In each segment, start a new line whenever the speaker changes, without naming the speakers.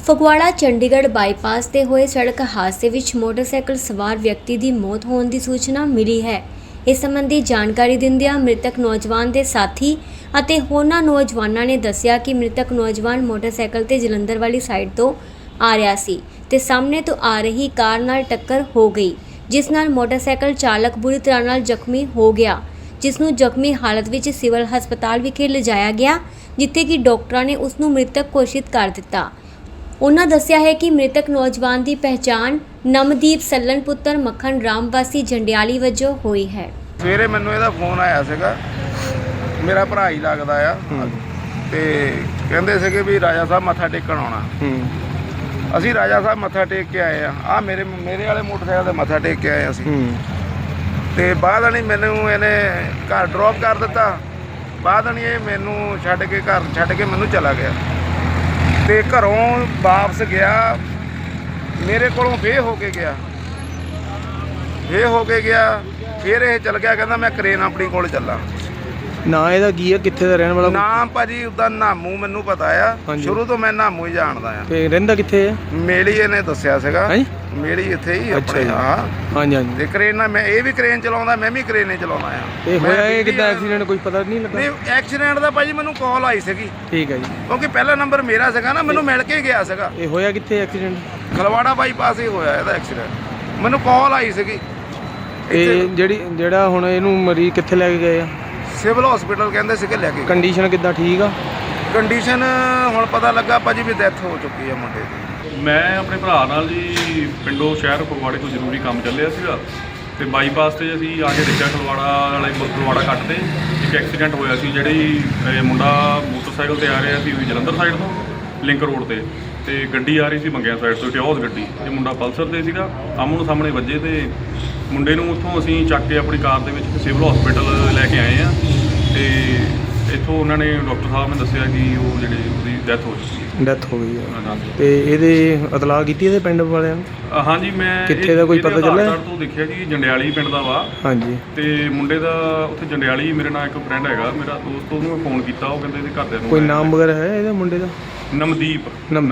Phagwara Chandigarh bypass ਤੇ ਹੋਏ ਸੜਕ ਹਾਦਸੇ ਵਿੱਚ ਮੋਟਰਸਾਈਕਲ ਸਵਾਰ ਵਿਅਕਤੀ ਦੀ ਮੌਤ ਹੋਣ ਦੀ ਸੂਚਨਾ ਮਿਲੀ ਹੈ। ਇਸ ਸੰਬੰਧੀ ਜਾਣਕਾਰੀ ਦਿੰਦਿਆਂ ਮ੍ਰਿਤਕ ਨੌਜਵਾਨ ਦੇ ਸਾਥੀ ਅਤੇ ਹੋਰਨਾਂ ਨੌਜਵਾਨਾਂ ਨੇ ਦੱਸਿਆ ਕਿ ਮ੍ਰਿਤਕ ਨੌਜਵਾਨ ਮੋਟਰਸਾਈਕਲ ਤੇ ਜਲੰਧਰ ਵਾਲੀ ਸਾਈਡ ਤੋਂ ਆ ਰਿਹਾ ਸੀ ਤੇ ਸਾਹਮਣੇ ਤੋਂ ਆ ਰਹੀ ਕਾਰ ਨਾਲ ਟੱਕਰ ਹੋ ਗਈ, ਜਿਸ ਨਾਲ ਮੋਟਰਸਾਈਕਲ ਚਾਲਕ ਬੁਰੀ ਤਰ੍ਹਾਂ ਨਾਲ ਜ਼ਖਮੀ ਹੋ ਗਿਆ, ਜਿਸ ਨੂੰ ਜ਼ਖਮੀ ਹਾਲਤ ਵਿੱਚ ਸਿਵਲ ਹਸਪਤਾਲ ਵਿਖੇ ਲਿਜਾਇਆ ਗਿਆ, ਜਿੱਥੇ ਕਿ ਡਾਕਟਰਾਂ ਨੇ ਉਸ ਨੂੰ ਮ੍ਰਿਤਕ ਘੋਸ਼ਿਤ ਕਰ ਦਿੱਤਾ। उन्होंने दस्सिया है कि मृतक नौजवान की पहचान नमदीप सल्लन पुत्र मक्खन राम वासी जंडियाली वजों हुई है।
सवेरे मैनू इहदा फोन आया सीगा, मेरा भरा ही लगदा आ ते कहंदे सीगे भी राजा साहब मत्था टेकण आउणा। असीं राजा साहब मत्था टेक के आए आ मेरे वाले मोटरसाइकिल ते मत्था टेक के आए असीं ते बाद नहीं मैनू इहने घर ड्रॉप कर दिता। बाद नहीं ये मैनू छड्ड के घर छड्ड के मैनू चला गया ते घरों वापस गया, मेरे कोलों फे हो के गया, फिर ये चल गया, कहता मैं क्रेन अपनी कोल चला।
ना ਇਹਦਾ ਕੀ ਹੈ, ਕਿੱਥੇ ਦਾ ਰਹਿਣ ਵਾਲਾ?
ਨਾਮ ਭਾਜੀ ਉਹਦਾ ਨਾਮੂ ਮੈਨੂੰ ਪਤਾ ਆ, ਸ਼ੁਰੂ ਤੋਂ ਮੈਂ ਨਾਮੂ ਹੀ ਜਾਣਦਾ ਆ।
ਤੇ ਰਹਿੰਦਾ ਕਿੱਥੇ ਹੈ?
ਮੇਲੀ ਇਹਨੇ ਦੱਸਿਆ ਸੀਗਾ, ਮੇਲੀ ਇੱਥੇ ਹੀ ਆਪਣੇ। ਹਾਂ
ਹਾਂਜੀ ਹਾਂਜੀ।
ਤੇ ਕਰੇਨ ਮੈਂ ਇਹ ਵੀ ਕਰੇਨ ਚਲਾਉਂਦਾ, ਮੈਂ ਵੀ ਕਰੇਨ ਹੀ ਚਲਾਉਂਦਾ ਆ।
ਇਹ ਹੋਇਆ ਇਹ ਕਿੱਦਾਂ ਐਕਸੀਡੈਂਟ, ਕੁਝ ਪਤਾ ਨਹੀਂ ਲੱਗਾ?
ਨਹੀਂ ਐਕਸੀਡੈਂਟ ਦਾ ਭਾਜੀ ਮੈਨੂੰ ਕਾਲ ਆਈ ਸੀਗੀ।
ਠੀਕ ਹੈ ਜੀ।
ਕਿਉਂਕਿ ਪਹਿਲਾ ਨੰਬਰ ਮੇਰਾ ਸੀਗਾ ਨਾ, ਮੈਨੂੰ ਮਿਲ ਕੇ ਗਿਆ ਸੀਗਾ।
ਇਹ ਹੋਇਆ ਕਿੱਥੇ ਐਕਸੀਡੈਂਟ?
ਖਲਵਾੜਾ ਬਾਈਪਾਸ ਹੀ ਹੋਇਆ ਇਹਦਾ ਐਕਸੀਡੈਂਟ, ਮੈਨੂੰ ਕਾਲ ਆਈ ਸੀਗੀ।
ਇਹ ਜਿਹੜਾ ਹੁਣ ਇਹਨੂੰ ਮਰੀਜ਼ ਕਿੱਥੇ ਲੈ ਕੇ ਗਏ ਆ?
ਸਿਵਲ ਹਸਪੀਟਲ ਕਹਿੰਦੇ ਸੀਗੇ ਲੈ ਕੇ।
ਕੰਡੀਸ਼ਨ ਕਿੱਦਾਂ, ਠੀਕ ਆ?
ਕੰਡੀਸ਼ਨ ਹੁਣ ਪਤਾ ਲੱਗਾ ਭਾਜੀ ਵੀ ਡੈਥ ਹੋ ਚੁੱਕੀ ਆ ਮੁੰਡੇ ਦੀ।
ਮੈਂ ਆਪਣੇ ਭਰਾ ਨਾਲ ਜੀ ਪਿੰਡੋਂ ਸ਼ਹਿਰ ਫਗਵਾੜੇ ਤੋਂ ਜ਼ਰੂਰੀ ਕੰਮ ਚੱਲਿਆ ਸੀਗਾ ਤੇ ਬਾਈਪਾਸ ਤੇ ਅਸੀਂ ਆ ਕੇ ਦੇਖਿਆ ਫਗਵਾੜਾ ਕੱਟ ਤੇ ਇੱਕ ਐਕਸੀਡੈਂਟ ਹੋਇਆ ਸੀ। ਜਿਹੜੀ ਮੁੰਡਾ ਮੋਟਰਸਾਈਕਲ ਤੇ ਆ ਰਿਹਾ ਸੀ ਜਲੰਧਰ ਸਾਈਡ ਤੋਂ ਲਿੰਕ ਰੋਡ ਤੇ ਗੱਡੀ ਆ ਰਹੀ ਸੀ ਮੰਗਿਆ ਸਾਈਡ ਤੋਂ, ਟਿਓਸ ਗੱਡੀ। ਇਹ ਮੁੰਡਾ ਪਲਸਰ ਤੇ ਸੀਗਾ, ਆਮੋ ਸਾਹਮਣੇ ਵੱਜੇ ਤੇ ਮੁੰਡੇ ਨੂੰ ਉੱਥੋਂ ਅਸੀਂ ਚੱਕ ਕੇ ਆਪਣੀ ਕਾਰ ਦੇ ਵਿੱਚ ਸਿਵਲ ਹਸਪੀਟਲ ਲੈ ਕੇ ਆਏ ਆ ਤੇ ਇੱਥੋਂ ਉਹਨਾਂ ਨੇ ਡਾਕਟਰ ਸਾਹਿਬ ਨੇ ਦੱਸਿਆ ਕਿ ਉਹ ਉਹਦੀ ਡੈਥ ਹੋ ਚੁੱਕੀ ਹੈ।
ਡੈਥ ਹੋ ਗਈ ਹੈ ਤੇ ਇਹਦੇ ਇਤਲਾਹ ਕੀਤੀ ਇਹਦੇ ਪਿੰਡ ਵਾਲਿਆਂ ਨੂੰ?
ਹਾਂਜੀ, ਮੈਂ
ਕਿੱਥੇ ਦਾ ਕੋਈ ਪਤਾ ਚੱਲਿਆ?
ਤੋਂ ਦੇਖਿਆ ਜੀ ਜੰਡਿਆਲੀ ਪਿੰਡ ਦਾ ਵਾ। ਹਾਂਜੀ। ਤੇ ਮੁੰਡੇ ਦਾ ਉੱਥੇ ਜੰਡਿਆਲੀ ਮੇਰੇ ਨਾਲ ਇੱਕ ਫਰੈਂਡ ਹੈਗਾ ਮੇਰਾ ਦੋਸਤ, ਉਹਨੂੰ ਮੈਂ ਫੋਨ ਕੀਤਾ, ਉਹ ਕਹਿੰਦੇ ਇਹਦੇ ਘਰਦਿਆਂ ਨੂੰ।
ਕੋਈ ਨਾਮ ਵਗੈਰਾ ਹੈ ਇਹਦੇ ਮੁੰਡੇ ਦਾ?
ਨਮਦੀਪ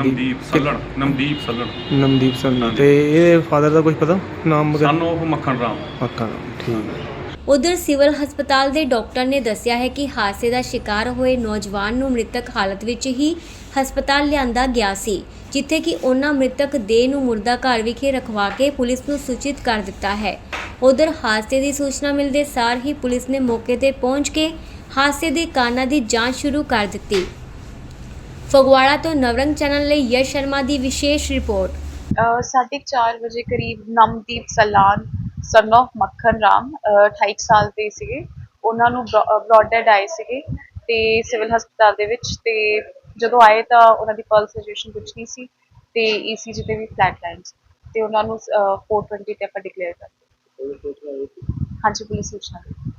ਸੱਲਣ।
ਤੇ ਇਹਦੇ ਫਾਦਰ ਦਾ ਕੁਝ ਪਤਾ ਨਾਮ ਵਗੈਰਾ?
ਸਨ ਆਫ ਮੱਖਣ ਰਾਮ।
ਠੀਕ ਹੈ।
उधर सिविल हस्पताल के डॉक्टर ने दस्सिया है कि हादसे का शिकार हुए नौजवान नूं मृतक हालत विच ही हस्पताल लिआंदा गया सी, जिथे कि उन्हां मृतक देह नूं मुर्दा घर विखे रखवा के पुलिस नूं सूचित कर दिता है। उधर हादसे की सूचना मिलते सार ही पुलिस ने मौके ते पहुंच के हादसे के कारणों की जांच शुरू कर दी। फगवाड़ा तो नवरंग चैनल लई यश शर्मा की विशेष रिपोर्ट।
4:30 ਵਜੇ ਕਰੀਬ ਨਮਦੀਪ ਸਲਾਨ ਸਨ ਆਫ ਮੱਖਣ ਰਾਮ 28 ਸਾਲ ਦੇ ਸੀਗੇ, ਉਹਨਾਂ ਨੂੰ ਬ੍ਰੌਡ ਡੈਡ ਆਏ ਸੀਗੇ ਤੇ ਸਿਵਲ ਹਸਪਤਾਲ ਦੇ ਵਿੱਚ। ਤੇ ਜਦੋਂ ਆਏ ਤਾਂ ਉਹਨਾਂ ਦੀ ਪਲਸ ਸਿਚੁਏਸ਼ਨ ਕੁਝ ਨਹੀਂ ਸੀ ਤੇ ECG ਤੇ ਵੀ ਫਲੈਟ ਲਾਈਨ ਸੀ ਤੇ ਉਹਨਾਂ ਨੂੰ 420 ਤੇ ਆਪਾਂ ਡਿਕਲੇਅਰ ਕਰ ਦਿੱਤਾ। ਹਾਂਜੀ, ਪੁਲਿਸ ਸੂਚਨਾ